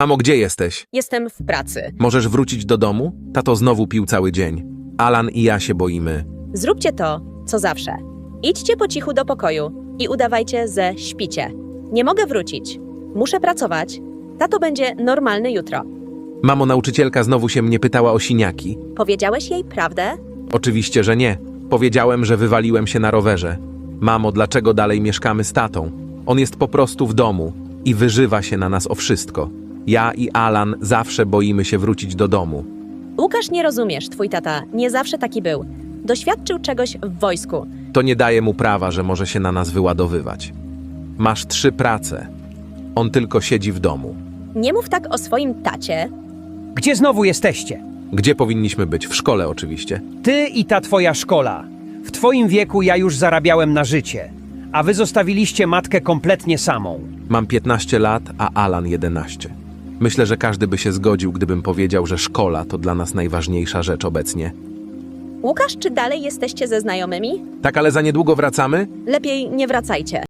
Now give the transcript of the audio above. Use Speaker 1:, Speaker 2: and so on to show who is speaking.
Speaker 1: Mamo, gdzie jesteś?
Speaker 2: Jestem w pracy.
Speaker 1: Możesz wrócić do domu? Tato znowu pił cały dzień. Alan i ja się boimy.
Speaker 2: Zróbcie to, co zawsze. Idźcie po cichu do pokoju i udawajcie, że śpicie. Nie mogę wrócić. Muszę pracować. Tato będzie normalny jutro.
Speaker 1: Mamo, nauczycielka znowu się mnie pytała o siniaki.
Speaker 2: Powiedziałeś jej prawdę?
Speaker 1: Oczywiście, że nie. Powiedziałem, że wywaliłem się na rowerze. Mamo, dlaczego dalej mieszkamy z tatą? On jest po prostu w domu i wyżywa się na nas o wszystko. Ja i Alan zawsze boimy się wrócić do domu.
Speaker 2: Łukasz, nie rozumiesz, twój tata nie zawsze taki był. Doświadczył czegoś w wojsku.
Speaker 1: To nie daje mu prawa, że może się na nas wyładowywać. Masz 3 prace. On tylko siedzi w domu.
Speaker 2: Nie mów tak o swoim tacie.
Speaker 3: Gdzie znowu jesteście?
Speaker 1: Gdzie powinniśmy być? W szkole oczywiście.
Speaker 3: Ty i ta twoja szkola. W twoim wieku ja już zarabiałem na życie, a wy zostawiliście matkę kompletnie samą.
Speaker 1: Mam 15 lat, a Alan 11. Myślę, że każdy by się zgodził, gdybym powiedział, że szkola to dla nas najważniejsza rzecz obecnie.
Speaker 2: Łukasz, czy dalej jesteście ze znajomymi?
Speaker 1: Tak, ale za niedługo wracamy?
Speaker 2: Lepiej nie wracajcie.